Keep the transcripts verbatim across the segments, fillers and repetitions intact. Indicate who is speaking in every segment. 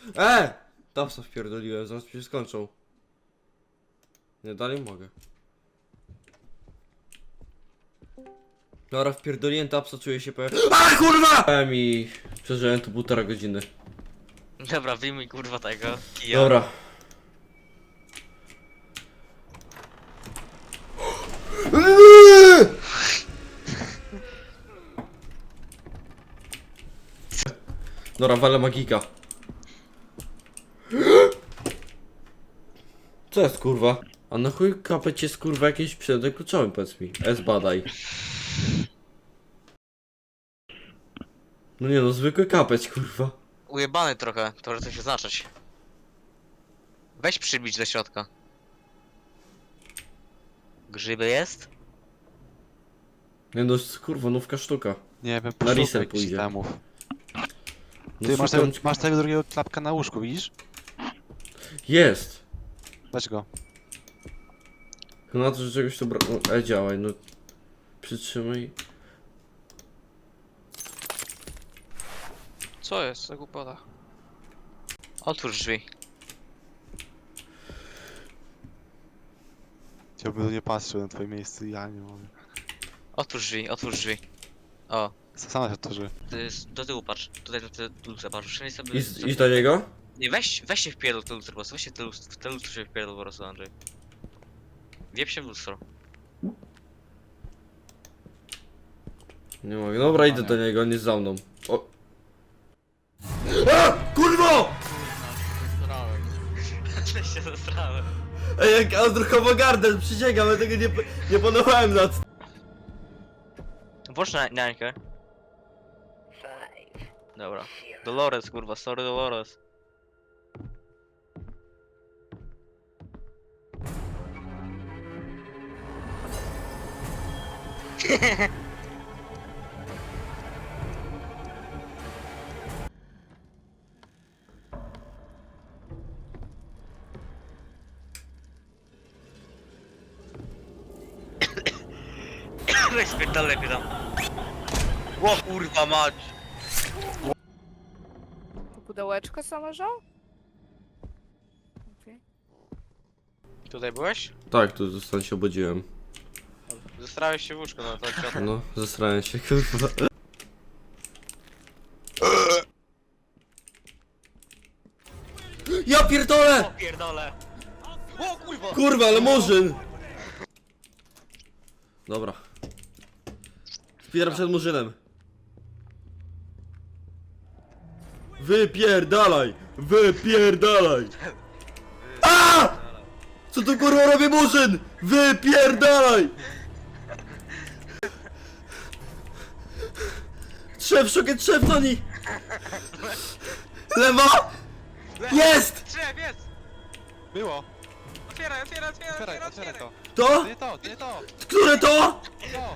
Speaker 1: E! Tapsa wpierdoliłem, zaraz mi się skończą. Nie, dalej mogę. Dobra, wpierdoliłem tapsa, czuję się pewien. A kurwa! Dałem i przeżyłem tu półtora godziny.
Speaker 2: Dobra, wyjmij kurwa tego kija.
Speaker 1: Dobra. Dobra, walę magika. Co jest kurwa? A na chuj kapeć jest kurwa jakiś przedmiot kluczowy, powiedz mi. S badaj. No nie no, zwykły kapeć kurwa.
Speaker 2: Ujebany trochę, to może coś oznaczać. Weź przybić do środka. Grzyby jest?
Speaker 1: Nie no, kurwa, nówka sztuka.
Speaker 3: Nie wiem,
Speaker 1: Na
Speaker 3: poszukaj
Speaker 1: reset
Speaker 3: jakichś
Speaker 1: pójdzie.
Speaker 3: itemów.
Speaker 1: No,
Speaker 3: Ty masz
Speaker 1: szukam-
Speaker 3: tego, masz tego drugiego klapka na łóżku, widzisz?
Speaker 1: Jest!
Speaker 3: Weź go.
Speaker 1: No na to, że czegoś tu brak... No, e, działaj, no. Przytrzymaj.
Speaker 2: Co jest za głupota? Otwórz drzwi.
Speaker 3: Chciałbym nie patrzył na twoje miejsce, ja nie mogę.
Speaker 2: Otwórz drzwi, otwórz drzwi. O,
Speaker 3: Sama się otworzy.
Speaker 2: to jest, do tyłu patrz. Tutaj do tyłu patrz. Wszędzie sobie...
Speaker 1: Idź, idź do niego?
Speaker 2: Nie, weź, weź się w pierdol w te lustro po prostu. Weź się w te lustro, w te lustro się w pierdol po prostu, Andrzej. Wiep się w lustro.
Speaker 1: Nie mogę. Dobra, idę do niego, on jest za mną. O! A! Kurwo!
Speaker 2: Źle się zastrałem.
Speaker 1: Ej, jak Andruchowo Garden, przysięgam, ja tego nie, nie panowałem nad...
Speaker 2: Włącz na niańkę. Dobra. Dolores, kurwa, sorry Dolores. Weź spierdolę mnie tam. O kurwa mać.
Speaker 4: Pudełeczko założą? Okej.
Speaker 2: Tutaj byłeś?
Speaker 1: Tak, tu zostań się obudziłem.
Speaker 2: Zestrałeś się w łóżko, no to ciotę.
Speaker 1: No, zesrałem się, kurwa. Ja pierdolę!
Speaker 2: O pierdolę. O kurwa.
Speaker 1: Kurwa, ale murzyn! Dobra. Spieram przed murzynem. Wypierdalaj! Wypierdalaj! A! Co tu kurwa robi murzyn? Wypierdalaj! Trzew, szukę trzew do nich! Lewo! Jest!
Speaker 2: Drzew, jest!
Speaker 3: Było!
Speaker 2: Otwieraj, otwieraj, otwieraj,
Speaker 3: Otwieraj,
Speaker 2: otwieraj,
Speaker 3: otwieraj to!
Speaker 1: To?
Speaker 3: To nie to, to nie to!
Speaker 1: Które to?
Speaker 3: To!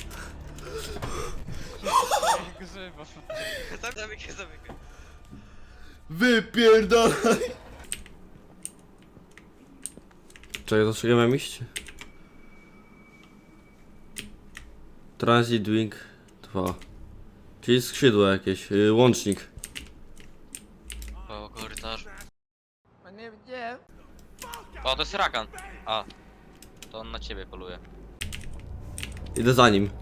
Speaker 3: Grzybo.
Speaker 2: Zamykaj, zamykaj.
Speaker 1: Wypierdalaj! Czekaj, do czego mam iść? Transit Wing dwa. Czyli skrzydło jakieś, yy, łącznik.
Speaker 2: O, korytarz.
Speaker 4: No nie wiem.
Speaker 2: O, to jest rakan. A. To on na ciebie poluje.
Speaker 1: Idę za nim.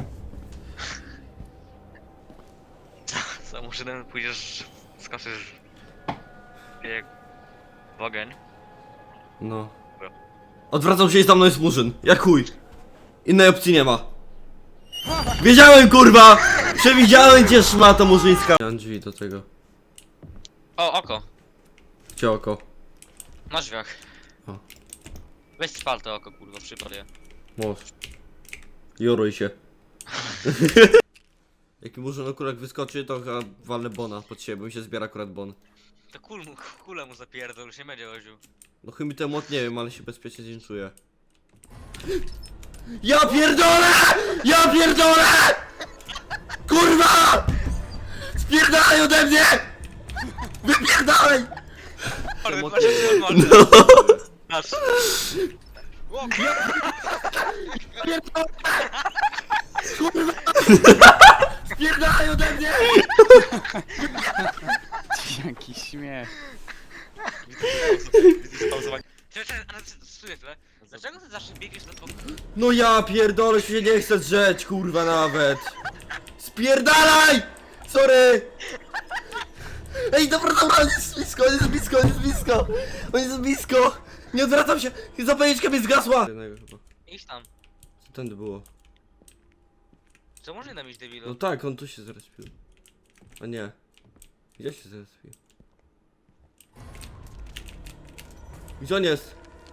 Speaker 2: Za murzynem pójdziesz, skoczysz bieg w ogień.
Speaker 1: No. Odwracam się i za mną jest murzyn. Jak chuj. Innej opcji nie ma. Wiedziałem kurwa! Przewidziałem cię szmato murzyńska. Mam drzwi do tego.
Speaker 2: O, oko.
Speaker 1: Gdzie oko?
Speaker 2: Na drzwiach.
Speaker 1: O.
Speaker 2: Weź spal to oko, kurwa, przypal je.
Speaker 1: Możesz. Joruj się. Jaki murzyn akurat wyskoczy, to chyba walnę bona pod siebie, bo mi się zbiera akurat bon.
Speaker 2: To kul mu, kule mu zapierdol, już nie będzie chodził.
Speaker 1: No chyba mi ten młot nie wiem, ale się bezpiecznie z nim czuję. Ja pierdolę! Ja pierdolę! Kurwa! Spierdalaj ode mnie! Wypierdalaj!
Speaker 2: Ale
Speaker 1: mot-
Speaker 2: masz
Speaker 1: No!
Speaker 2: Masz. O,
Speaker 1: Spierdalaj ode mnie!
Speaker 3: Jakiś śmiech.
Speaker 2: Czekaj, czekaj, ale stój chwilę. Dlaczego ty zawsze biegniesz na bok?
Speaker 1: No ja pierdolę, się nie chcę drzeć, kurwa nawet. Spierdalaj! Sorry! Ej, dobra, dobra, on jest blisko, on jest blisko, on jest blisko! On jest blisko! Nie odwracam się! Zapalniczka mi zgasła!
Speaker 2: Idź tam.
Speaker 1: Co tędy było?
Speaker 2: Co może nam iść,
Speaker 1: No
Speaker 2: debilu?
Speaker 1: tak, on tu się zrespił. A nie. Gdzie się zrespił? Gdzie on jest?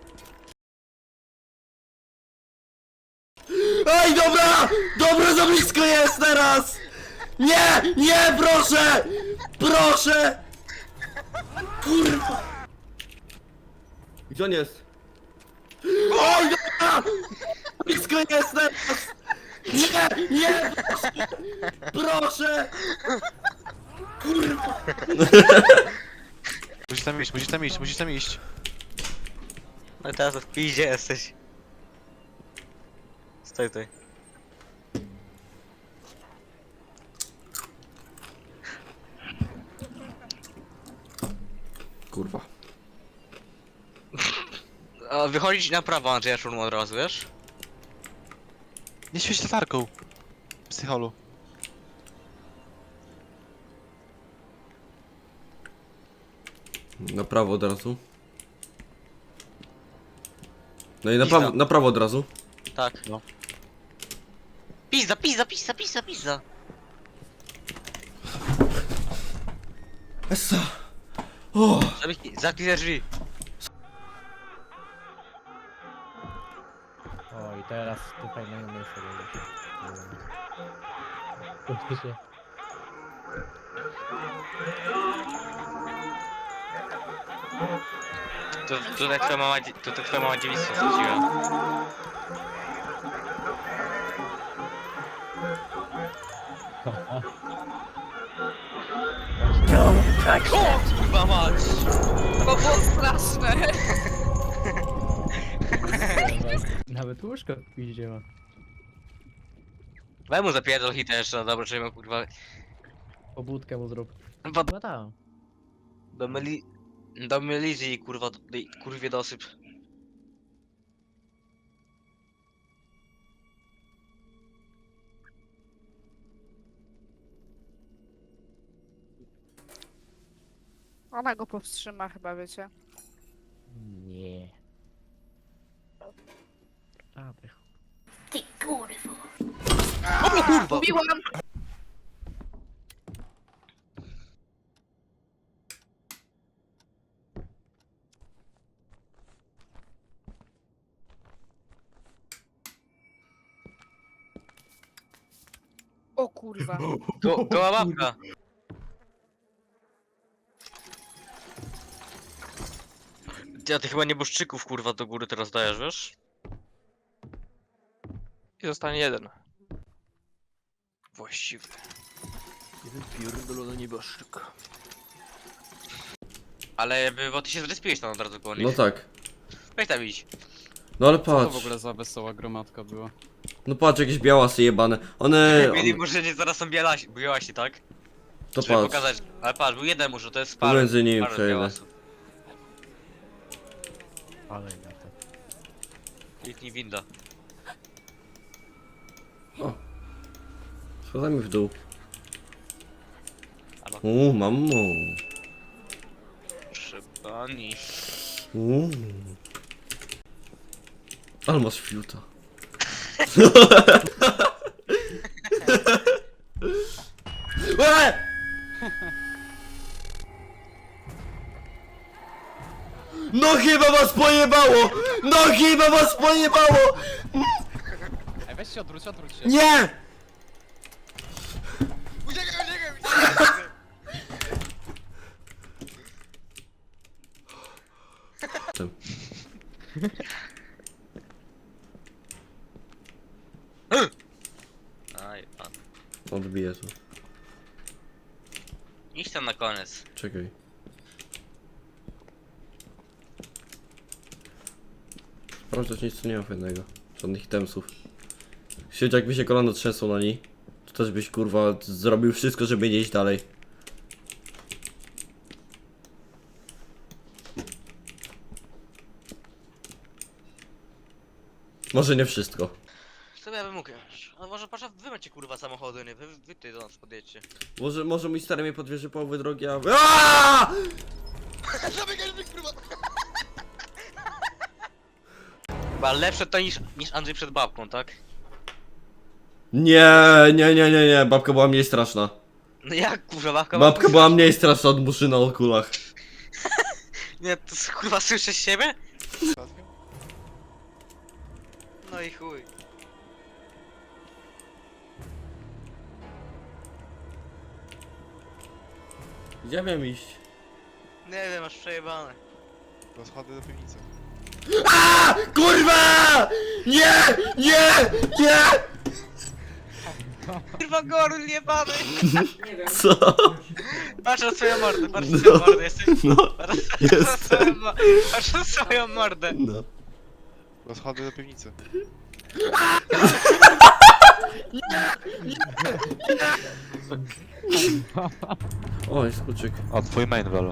Speaker 1: Ej, dobra! Dobra, za blisko jest teraz! Nie! Nie, proszę! Proszę! Kurwa! Gdzie on jest? Oj, dobra! Blisko jest teraz! Nie! Nie! Proszę! Proszę! Kurwa!
Speaker 3: Musisz tam iść, musisz tam iść, musisz tam iść.
Speaker 2: No teraz w piździe jesteś. Stoj tutaj.
Speaker 1: Kurwa.
Speaker 2: A wychodzić na prawo, Andrzeja Szurmu od razu, wiesz?
Speaker 3: Nie świeć latarką. Psycholu.
Speaker 1: Na prawo od razu. No i na
Speaker 2: Pizda.
Speaker 1: prawo, na prawo od razu.
Speaker 2: Tak.
Speaker 3: No.
Speaker 2: Pizza, pizza, pizza, pizza, pizza.
Speaker 1: Essa. O!
Speaker 2: Zamknij zamknij te drzwi.
Speaker 5: O, i teraz tu fajnego miejsca będzie. Faktycznie.
Speaker 2: Tu, tutaj twoja mama, dzie- tutaj twoja mama dziewictwo straciła. O, kurwa mać!
Speaker 4: To było straszne.
Speaker 5: Nawet łóżko w piździe ma.
Speaker 2: Weź mu zapierdol hitę jeszcze, no dobra, żeby kurwa...
Speaker 5: Pobudkę mu zrób.
Speaker 2: Bo
Speaker 5: No tam.
Speaker 2: do myli... Do mylizy i kurwa, do, do, kurwie dosyp.
Speaker 4: Ona go powstrzyma chyba, wiecie.
Speaker 5: Nie. A, tych.
Speaker 4: Mówiłam! O kurwa.
Speaker 2: To, to babka. Ty, a ty chyba nieboszczyków kurwa do góry teraz dajesz, wiesz?
Speaker 6: I zostanie jeden. Właściwy. Jeden pierdolony nieboszczyk.
Speaker 2: Ale by, bo ty się zrespiłeś tam od razu koło nich.
Speaker 1: No tak.
Speaker 2: Weź tam idź.
Speaker 1: No ale
Speaker 7: Co to
Speaker 1: patrz.
Speaker 7: w ogóle za wesoła gromadka była?
Speaker 1: No patrz, jakieś białasy jebane. One...
Speaker 2: Mieli
Speaker 1: one
Speaker 2: może nie zaraz są bielasi, białasi, tak?
Speaker 1: to
Speaker 2: Żeby
Speaker 1: patrz.
Speaker 2: pokazać. Ale patrz, był jeden może, to jest parę.
Speaker 1: Pomiędzy nimi
Speaker 2: parę
Speaker 1: przejdę.
Speaker 2: białasów.
Speaker 5: Ale na to.
Speaker 2: Kliknij winda.
Speaker 1: Schodami w dół.
Speaker 2: Albo
Speaker 1: Uuu, mamo.
Speaker 2: szybani.
Speaker 1: Uuu. Ale masz fiuta. Eee! No chyba was pojebało! No chyba was pojebało!
Speaker 7: Ej, weź się odwróć, odwróć się.
Speaker 1: Nie!
Speaker 2: Uciekaj, uciekaj, uciekaj! Aj, pan.
Speaker 1: Odbiję to.
Speaker 2: Idź tam na koniec.
Speaker 1: Czekaj. Sprawdzać nic tu nie ma fajnego. Żadnych itemsów. Siedź, jakby się kolano trzęsło na niej, to też byś kurwa zrobił wszystko, żeby nie iść dalej. Może nie wszystko.
Speaker 2: Co ja bym mógł jechać? A może patrz, wy macie kurwa samochody, nie? Wy, wy tutaj do nas podjedźcie.
Speaker 1: Może, może mój stary mnie podwiezie połowę drogi, a... Aaaa!
Speaker 2: Chyba lepsze to niż, niż Andrzej przed babką, tak?
Speaker 1: Nie, nie, nie, nie, nie, babka była mniej straszna.
Speaker 2: No jak kurwa babka?
Speaker 1: Babka była mniej straszna od Murzyna o kulach.
Speaker 2: Nie, to s- kurwa słyszysz siebie? No i chuj.
Speaker 1: Gdzie miałem iść?
Speaker 2: Nie wiem, masz przejebane.
Speaker 3: Rozchody do piwnicy.
Speaker 1: Kurwa! Nie! Nie! Nie!
Speaker 2: Kurwa gorul jebany!
Speaker 1: Co?
Speaker 2: Patrz na swoją mordę, patrz na swoją mordę, jesteś...
Speaker 1: No,
Speaker 2: Patrz na
Speaker 1: jestem.
Speaker 2: swoją mo- Patrz na swoją mordę.
Speaker 1: No.
Speaker 3: Rozchody do piwnicy.
Speaker 1: Oj, skuczyk.
Speaker 3: O, twój main, Velo.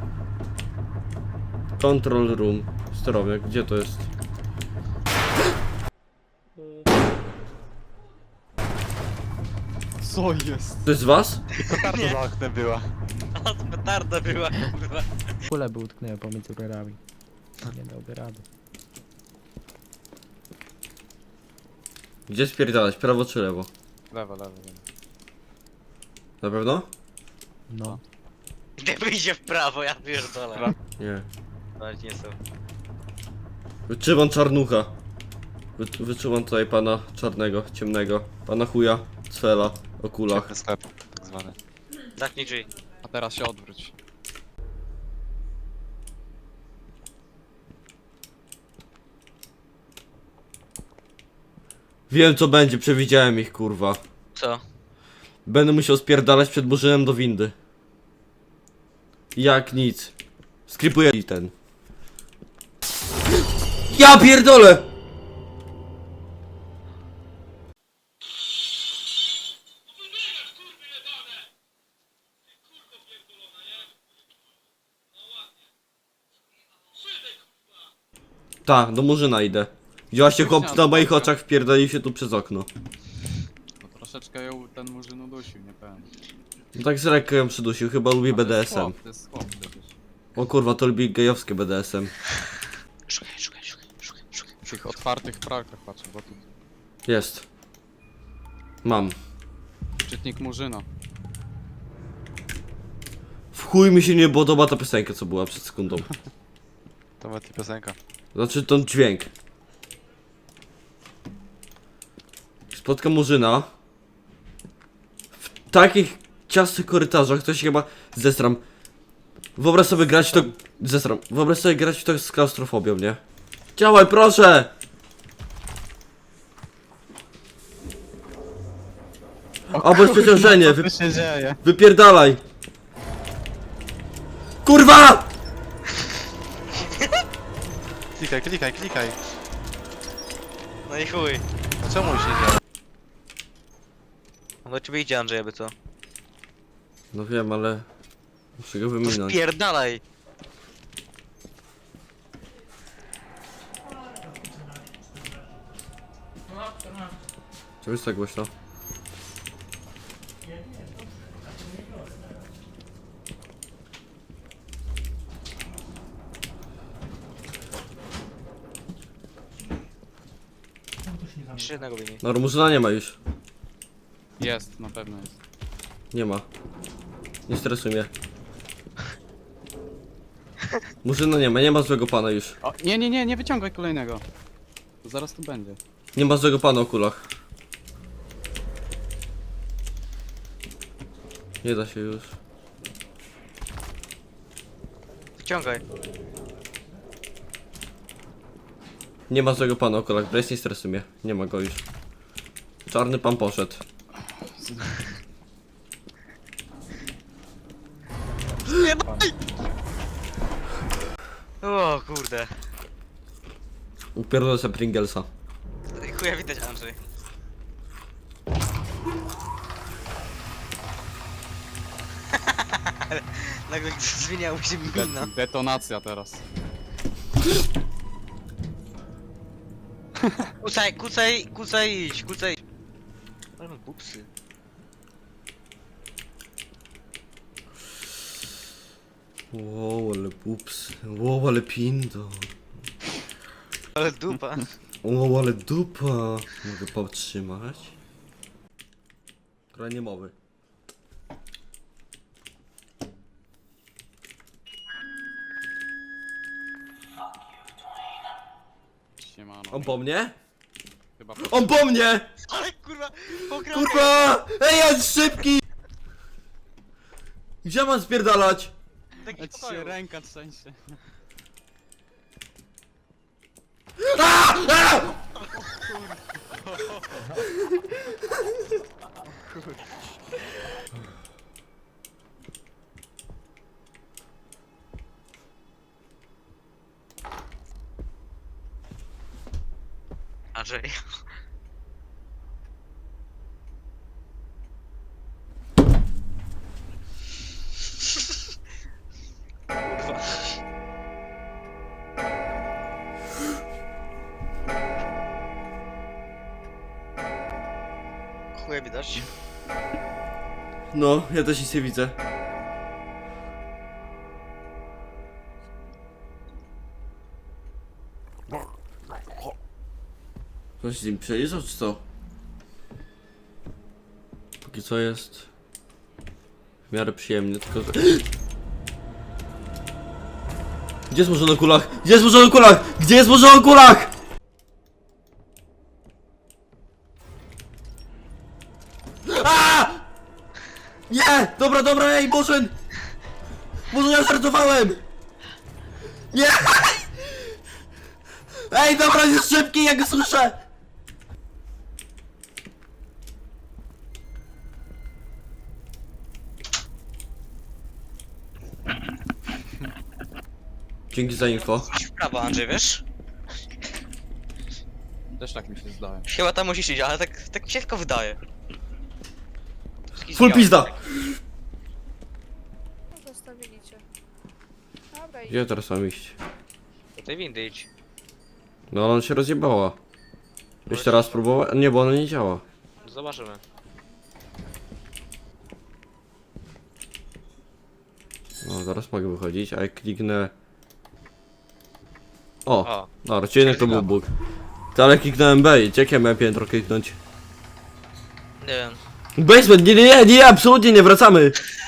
Speaker 1: Control room. Sterowie, gdzie to jest?
Speaker 7: Co jest?
Speaker 1: To jest z was?
Speaker 3: Petarda za oknem była.
Speaker 2: A to petarda była, kurwa.
Speaker 5: Kule by utknęły pomiędzy rurami. Nie dałby rady.
Speaker 1: Gdzie spierdalać? Prawo czy lewo?
Speaker 7: Lewo, lewo, lewo.
Speaker 1: Na pewno?
Speaker 5: No.
Speaker 2: Gdy wyjdzie w prawo, ja pierdolę.
Speaker 1: Nie.
Speaker 2: Ale nie są.
Speaker 1: Wyczuwam czarnucha. Wy, wyczuwam tutaj pana czarnego, ciemnego. Pana chuja, cfela, o kulach.
Speaker 3: Ciemny sklep, tak zwany.
Speaker 2: Zamknij drzwi.
Speaker 7: A teraz się odwróć.
Speaker 1: Wiem co będzie, przewidziałem ich kurwa.
Speaker 2: Co?
Speaker 1: Będę musiał spierdalać przed Murzynem do windy. Jak nic. Skripuję i ten. Ja pierdolę! Tak, do Murzyna idę. Widziałaście chłop na moich oczach wpierdolił się tu przez okno.
Speaker 7: No troszeczkę ją ten murzyn udusił, nie powiem.
Speaker 1: No tak z lekko ją przydusił, chyba lubi
Speaker 7: A to jest
Speaker 1: B D S M.
Speaker 7: chłop, To jest chłop przecież.
Speaker 1: O kurwa, to lubi gejowskie B D S M.
Speaker 2: Szukaj, szukaj, szukaj, szukaj, szukaj.
Speaker 7: W tych otwartych pralkach patrzę, bo tu
Speaker 1: Jest. Mam.
Speaker 7: czytnik murzyna.
Speaker 1: W chuj mi się nie podoba ta piosenka, co była przed sekundą.
Speaker 3: To była ta piosenka.
Speaker 1: Znaczy ten dźwięk. Spotkam Murzyna. W takich ciasnych korytarzach to się chyba zestram. Wyobraź sobie grać w to... Zestram. Wyobraź sobie grać w to z klaustrofobią, nie? Działaj, proszę! Albo jest przeciążenie, wy...
Speaker 3: się dzieje?
Speaker 1: wypierdalaj! Kurwa!
Speaker 3: Klikaj, klikaj, klikaj.
Speaker 2: No i chuj.
Speaker 3: A czemu się dzieje?
Speaker 2: On do ciebie idzie, Andrzej, aby co?
Speaker 1: No wiem, ale... Muszę go
Speaker 2: To
Speaker 1: wyminąć.
Speaker 2: spierdalaj!
Speaker 1: Co jest tak głośno?
Speaker 2: Jeszcze jednego wyjmij.
Speaker 1: No, Murzyna nie ma już.
Speaker 7: Jest, na pewno jest.
Speaker 1: Nie ma. Nie stresuj mnie. Murzyna nie ma, nie ma złego pana już.
Speaker 7: O, nie, nie, nie, nie wyciągaj kolejnego. To zaraz tu będzie.
Speaker 1: Nie ma złego pana o kulach. Nie da się już.
Speaker 2: Wciągaj.
Speaker 1: Nie ma złego pana o kulach, Brace nie stresuj mnie. Nie ma go już. Czarny pan poszedł.
Speaker 2: O kurde.
Speaker 1: Upierdolę sobie Pringlesa.
Speaker 2: Chuja widać, Andrzej. Nagle zmieniało się mina.
Speaker 7: De detonacja teraz.
Speaker 2: Kucaj, kucaj, kucaj, idź, kucaj. Ale mam bupsy.
Speaker 1: Wow, ale pups. Wow, ale pindo.
Speaker 2: Ale dupa.
Speaker 1: Wow, ale dupa. Mogę powstrzymać? Trochę nie mowy.
Speaker 7: Siemano.
Speaker 1: On po mnie?
Speaker 7: Chyba
Speaker 1: On po mnie!
Speaker 2: Ale kurwa, pograł.
Speaker 1: Kurwa! Ej, on szybki! Gdzie mam spierdalać?
Speaker 2: Taki
Speaker 7: Leć się
Speaker 2: pokoju.
Speaker 7: ręka trzęsie.
Speaker 1: A! A!
Speaker 2: Andrzej. Kurwa. Chuja widać.
Speaker 1: No, ja też nic nie widzę. Ktoś z nim przejeżdżał, czy co? Póki co jest w miarę przyjemnie, tylko że... Gdzie jest może na kulach? Gdzie jest może na kulach? Gdzie jest może na kulach? A! Nie! Dobra, dobra, ej, Bożen! Boże, ja żartowałem! Nie! Ej, dobra, jest szybki, ja go słyszę! Dzięki za info.
Speaker 2: Idź w prawo, Andrzej, wiesz?
Speaker 7: Też tak mi się zdaje.
Speaker 2: Chyba tam musisz iść, ale tak, tak mi się tylko wydaje. Taki
Speaker 1: Full
Speaker 2: związek.
Speaker 1: pizda!
Speaker 4: No, zostawili cię. Dobra, i
Speaker 1: Gdzie teraz mam iść?
Speaker 2: Do tej windy idź.
Speaker 1: No, ona się rozjebała. Jeszcze raz próbować? Nie, bo ona nie działa.
Speaker 2: Zobaczymy.
Speaker 1: No, zaraz mogę wychodzić, a jak kliknę... O!
Speaker 2: O,
Speaker 1: Dobra, czy jednak to był bóg. To ale kliknąłem B i jakie miałem piętro kliknąć?
Speaker 2: nie wiem.
Speaker 1: Basement, nie, nie, nie, nie, absolutnie nie, wracamy!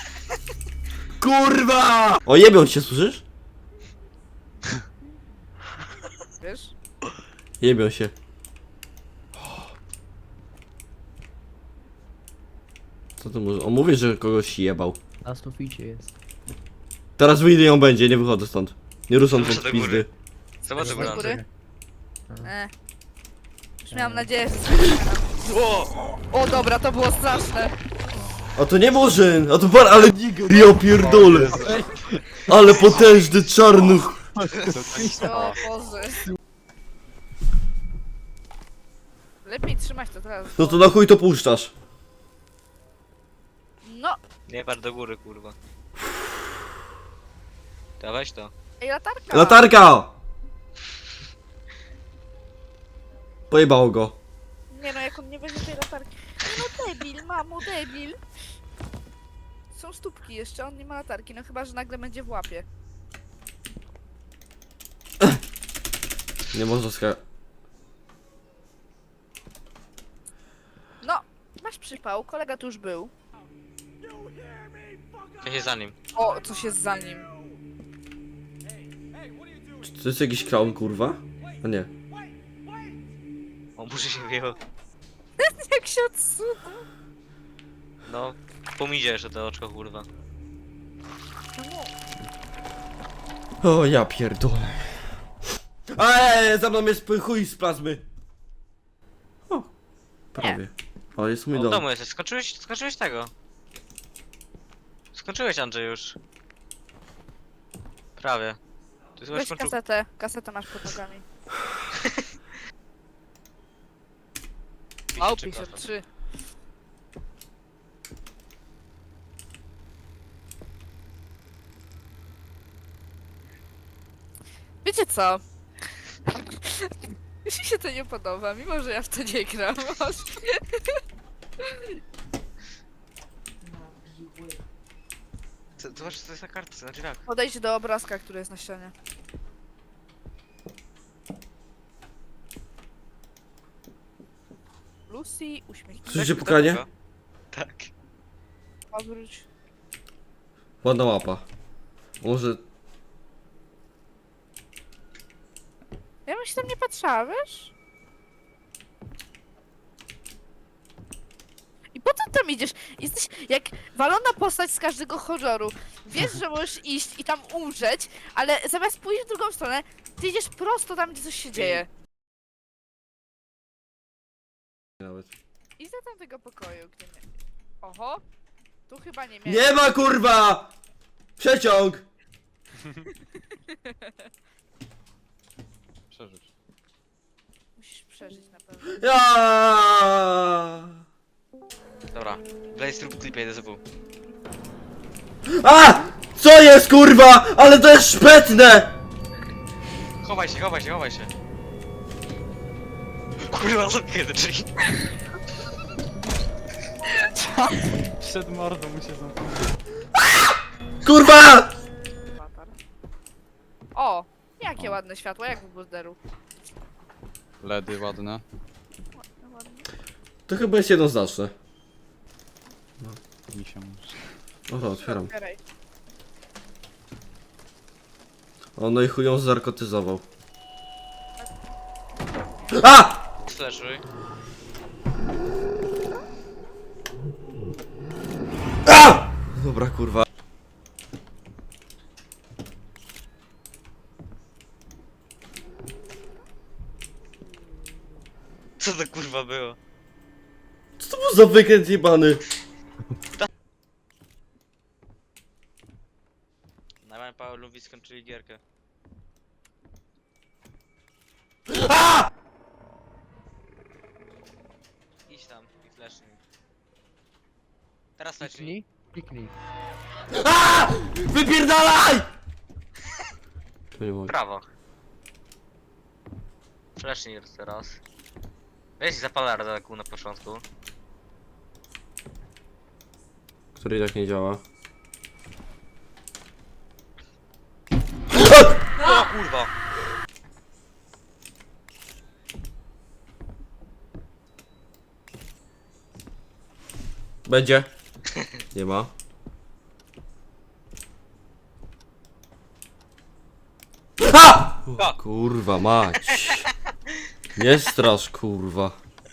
Speaker 1: Kurwa! O, jebią się, słyszysz?
Speaker 4: wiesz?
Speaker 1: Jebią się. Co to może? On mówi, że kogoś jebał.
Speaker 5: Na suficie jest.
Speaker 1: Teraz wyjdę ją będzie, nie wychodzę stąd. Nie ruszam
Speaker 2: Muszę
Speaker 1: pod
Speaker 2: do
Speaker 1: pizdy.
Speaker 2: góry. Zobacz
Speaker 4: Do
Speaker 2: góry,
Speaker 4: góry?
Speaker 2: Andrzej.
Speaker 4: E. Już miałam nadzieję, że coś
Speaker 2: O!
Speaker 4: O dobra, to było straszne.
Speaker 1: A to nie Murzyn, a to par, ale... Ja pierdolę. Ale potężny czarnuch.
Speaker 4: O Boże. Lepiej trzymać to teraz.
Speaker 1: No to na chuj to puszczasz.
Speaker 4: No,
Speaker 2: Nie patrz do góry, kurwa. To weź to.
Speaker 4: ej, latarka.
Speaker 1: Latarka! Pojebało go.
Speaker 4: Nie no, jak on nie weźmie tej latarki. Nie no, debil, mamo, debil. Są stópki jeszcze, on nie ma latarki, no chyba, że nagle będzie w łapie.
Speaker 1: Nie można ska...
Speaker 4: No, masz przypał, kolega tu już był.
Speaker 2: Ja się za nim.
Speaker 4: O, coś jest za nim.
Speaker 1: Czy to jest jakiś clown, kurwa? A nie.
Speaker 2: O, muszę się wyjechał.
Speaker 4: Jak się odsuwa.
Speaker 2: No, pomidzie jeszcze to oczko, kurwa.
Speaker 1: O, ja pierdolę. Eee, za mną jest chuj z plazmy. O, prawie. O, jest mój
Speaker 2: O, w
Speaker 1: dom.
Speaker 2: domu jesteś. Skończyłeś, skończyłeś tego. Skończyłeś, Andrzej, już. Prawie. Ty chyba
Speaker 4: Weź
Speaker 2: skończył...
Speaker 4: kasetę, kasetę masz pod nogami. O, pięćdziesiąt trzy. Wiecie co? Już mi się to nie podoba, mimo że ja w to nie gram.
Speaker 2: Co- Zobacz, co to jest na kartce, na drzwiach.
Speaker 4: Podejdź do obrazka, który jest na ścianie. Lucy, uśmiechnij.
Speaker 1: Słyszycie pukanie?
Speaker 2: Tak.
Speaker 4: Obróć.
Speaker 1: Ładna łapa. Może...
Speaker 4: Ja bym się tam nie patrzała, wiesz? I po co tam idziesz? Jesteś jak walona postać z każdego horroru. Wiesz, że możesz iść i tam umrzeć, ale zamiast pójść w drugą stronę, ty idziesz prosto tam, gdzie coś się dzieje.
Speaker 1: Nawet.
Speaker 4: Idź do tamtego pokoju, gdzie nie... Oho! Tu chyba nie miałem.
Speaker 1: Nie ma kurwa! Przeciąg!
Speaker 7: Przeżyć.
Speaker 4: Musisz przeżyć na pewno.
Speaker 1: Ja!
Speaker 2: Dobra, Blaze rób klipie, jedę z W.
Speaker 1: A! Co jest kurwa? Ale to jest szpetne!
Speaker 2: Chowaj się, chowaj się, chowaj się. Kurwa, zamknę te drzwi.
Speaker 7: Przed mordą mu się zamknął.
Speaker 1: Kurwa!
Speaker 4: Latar. O! Jakie ładne światło, jak w borderu.
Speaker 7: Ledy ładne.
Speaker 4: Ładne, ładne.
Speaker 1: To chyba jest jednoznaczne.
Speaker 7: Mi się musi.
Speaker 1: O to otwieram.
Speaker 4: Otwieraj.
Speaker 1: O no i chuj ją zarkotyzował. A!
Speaker 2: Slashuj.
Speaker 1: A! Dobra kurwa.
Speaker 2: Co to kurwa było?
Speaker 1: Co to był za wykręt jebany?
Speaker 2: Najmniej Paweł lubi skończyli gierkę.
Speaker 1: A!
Speaker 2: Idź tam i flashnij. Teraz flashnij.
Speaker 5: Kliknij, kliknij.
Speaker 1: A! Wypierdalaj! To nie mogę.
Speaker 2: Prawo. Flashnij teraz. Weź zapalarę taką na początku.
Speaker 1: Który i tak nie działa.
Speaker 2: O kurwa!
Speaker 1: Będzie. Nie ma. A! O, kurwa mać. Nie strasz kurwa.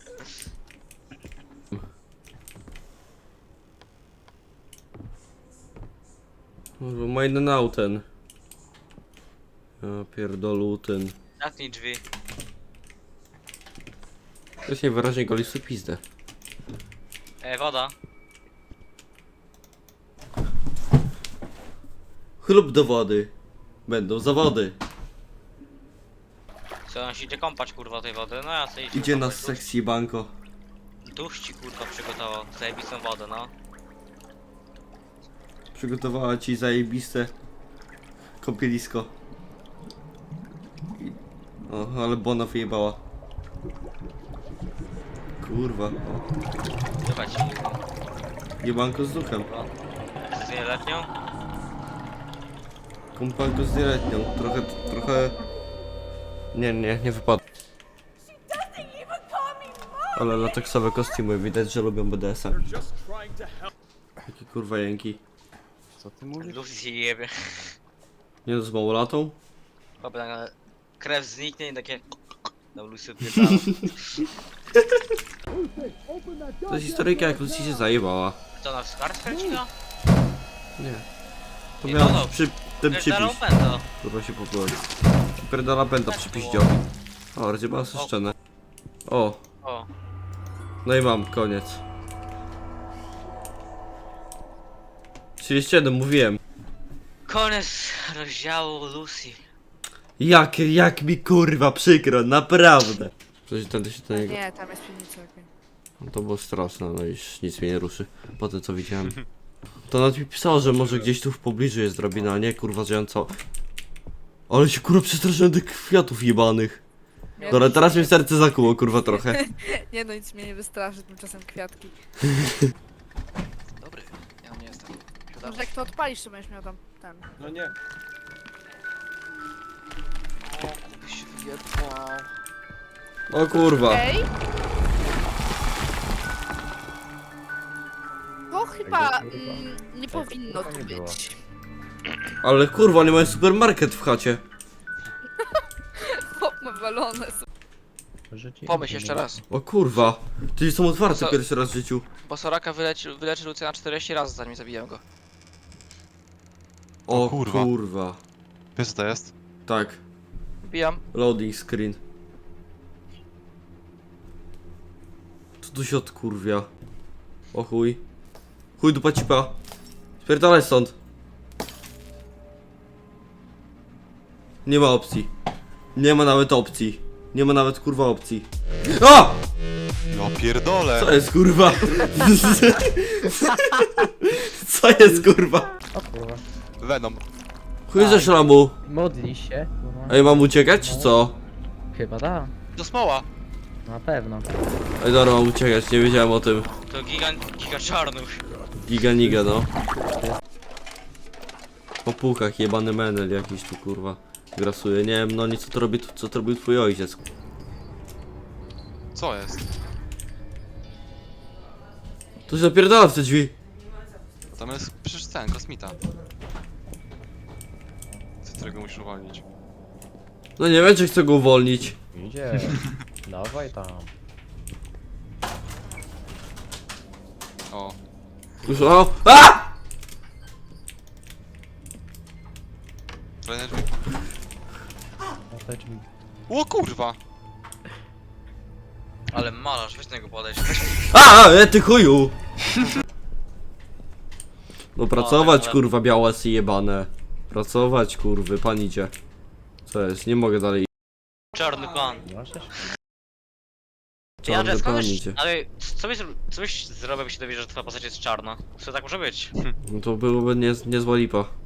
Speaker 1: Kurwa, ma jeden auten. Ja pierdolu ten.
Speaker 2: Zamknij drzwi.
Speaker 1: To jest najwyraźniej goli w pizdę.
Speaker 2: E, woda.
Speaker 1: Chlub do wody. Będą zawody.
Speaker 2: Co on się idzie kąpać kurwa tej wody? No ja sobie idzie
Speaker 1: Idzie na
Speaker 2: kąpać,
Speaker 1: sekcję banko.
Speaker 2: dusz- Dusz ci kurwa przygotował. Zajebistą wodę, no.
Speaker 1: Przygotowała ci zajebiste kąpielisko. I- O, ale Bona wyjebała. Kurwa. O,
Speaker 2: Chyba ci
Speaker 1: jebanko z duchem.
Speaker 2: kurwa. Z nieletnią?
Speaker 1: Kąpanko z nieletnią. Trochę, trochę... Nie, nie, nie wypadło. Ale lateksowe kostiumy, widać, że lubią B D S a. Jakie kurwa jęki.
Speaker 7: Co ty mówisz?
Speaker 2: Lucy się jebie.
Speaker 1: Nie no, z małolatą?
Speaker 2: Chyba na krew zniknie i takie... No Lucy odpierdala.
Speaker 1: To jest historyjka, jak Lucy się zajebała.
Speaker 2: Co na wskar skręciła?
Speaker 1: Nie. To
Speaker 2: Nie,
Speaker 1: miał
Speaker 2: no, no.
Speaker 1: przy, ten
Speaker 2: Pierdalą
Speaker 1: przypis.
Speaker 2: pęto.
Speaker 1: Kurwa się popłynąć. Pierdala pęta przy piździowi. O, rozjebała sobie szczenę. O,
Speaker 2: O.
Speaker 1: no i mam, koniec. trzydzieści jeden, mówiłem.
Speaker 2: Koniec rozdziału Lucy.
Speaker 1: Jak, jak mi kurwa przykro, naprawdę. Przecież tędy się do niego...
Speaker 4: Nie, tam jest piwnica. okej.
Speaker 1: No to było straszne, no i nic mnie nie ruszy. Po tym co widziałem. To nawet mi pisało, że może gdzieś tu w pobliżu jest drabina, a nie kurwa, że ja co... Ale się kurwa przestraszyłem tych kwiatów jebanych. Dobra, teraz mi serce zakuło, kurwa, trochę.
Speaker 4: Nie no, nic mnie nie wystraszy, tymczasem kwiatki.
Speaker 6: Dobry, ja nie jestem.
Speaker 4: Może jak to odpalisz, to będziesz miał tam ten.
Speaker 6: No nie. O, kuby się wyjebał.
Speaker 1: O kurwa.
Speaker 4: Okej? To chyba mm, nie powinno tu być.
Speaker 1: Ale kurwa, nie mają supermarket w chacie.
Speaker 4: Chłop ma balony.
Speaker 5: Życie
Speaker 6: Pomyśl
Speaker 5: nie
Speaker 6: jeszcze
Speaker 5: było.
Speaker 6: raz.
Speaker 1: O kurwa. Czyli są otwarte
Speaker 6: Co?
Speaker 1: pierwszy raz w życiu.
Speaker 6: Bo Soraka wyleczy, wyleczy Lucyna czterdzieści razy zanim zabiję go.
Speaker 1: O
Speaker 3: O kurwa.
Speaker 1: kurwa.
Speaker 3: Wiesz co to jest?
Speaker 1: Tak.
Speaker 6: Wbijam.
Speaker 1: Loading screen. Co tu się odkurwia? O chuj. Chuj dupa cipa. Spierdalaj stąd. Nie ma opcji. Nie ma nawet opcji. Nie ma nawet kurwa opcji. A!
Speaker 3: No pierdolę!
Speaker 1: Co jest kurwa? Co jest kurwa?
Speaker 5: O kurwa.
Speaker 3: Venom.
Speaker 1: Chuj ze szlamu.
Speaker 5: Modli się. kurwa.
Speaker 1: Ej, mam uciekać czy co?
Speaker 5: Chyba da.
Speaker 6: Do smoła.
Speaker 5: Na pewno.
Speaker 1: Ej, dobra, mam uciekać, nie wiedziałem o tym.
Speaker 2: To gigant, giga czarnuch.
Speaker 1: Giga niga, no. Po półkach jebany menel jakiś tu kurwa grasuje. Nie wiem, no nic co to robi, co to robił twój ojciec.
Speaker 3: Co jest?
Speaker 1: To się zapierdala w te drzwi.
Speaker 3: Tam jest przecież ten, kosmita. Z którego musisz uwolnić.
Speaker 1: No nie wiem, czy chcę go uwolnić.
Speaker 5: Idzie. Dawaj tam.
Speaker 3: O.
Speaker 1: Już, o! A!
Speaker 3: Kolejne drzwi.
Speaker 5: Na te drzwi.
Speaker 3: O kurwa!
Speaker 2: Ale malarz, weź do niego podejść.
Speaker 1: A! E, ty chuju! No pracować
Speaker 2: ale-
Speaker 1: kurwa białasy jebane. Pracować kurwy, pan idzie. Co jest? Nie mogę dalej.
Speaker 2: Czarny pan.
Speaker 5: Możesz?
Speaker 2: Ja,
Speaker 1: Czarny
Speaker 2: ale skąd
Speaker 1: pan
Speaker 2: wiesz-
Speaker 1: idzie.
Speaker 2: ale co byś, co byś zrobił, jakby się dowiedział, że twoja postać jest czarna? Co tak może być?
Speaker 1: No to byłoby nie, niezła lipa.